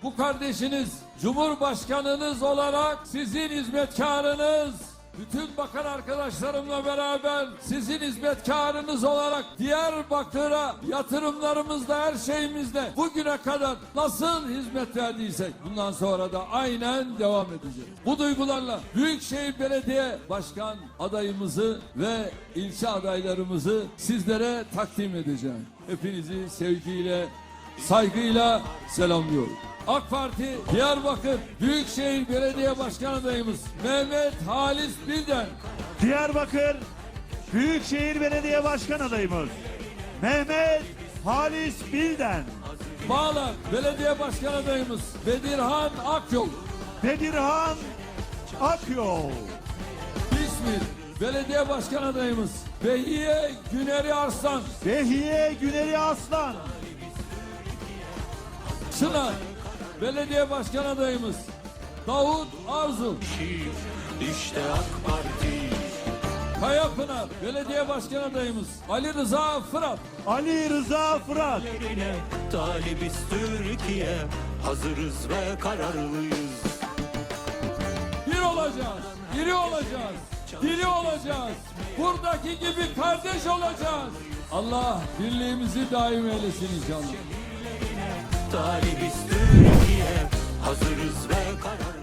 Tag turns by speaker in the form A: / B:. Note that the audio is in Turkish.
A: bu kardeşiniz, Cumhurbaşkanınız olarak sizin hizmetkarınız, bütün bakan arkadaşlarımla beraber sizin hizmetkarınız olarak Diyarbakır'a yatırımlarımızla, her şeyimizle bugüne kadar nasıl hizmet verdiysek bundan sonra da aynen devam edeceğiz. Bu duygularla Büyükşehir Belediye Başkan adayımızı ve ilçe adaylarımızı sizlere takdim edeceğim. Hepinizi sevgiyle, saygıyla selamlıyorum. AK Parti Diyarbakır Büyükşehir Belediye Başkan adayımız Mehmet Halis Bilden.
B: Diyarbakır Büyükşehir Belediye Başkan adayımız Mehmet Halis Bilden.
A: Bağlar Belediye Başkan adayımız Bedirhan Akyol.
B: Bedirhan Akyol.
A: İzmir Belediye Başkan adayımız Behiye Güneri Arslan.
B: Behiye Güneri Aslan.
A: Çınar Belediye Başkan adayımız Davut Arzu.
C: İşte AK Parti.
A: Kayapınar Belediye Başkan adayımız Ali Rıza Fırat.
B: Ali Rıza Fırat.
C: Yerine talibiz Türkiye. Hazırız ve kararlıyız.
A: Bir olacağız, iri olacağız, diri olacağız. Buradaki gibi kardeş olacağız. Allah birliğimizi daim eylesin inşallah.
C: Talibiz Türkiye. Hazırız ve kararlıyız.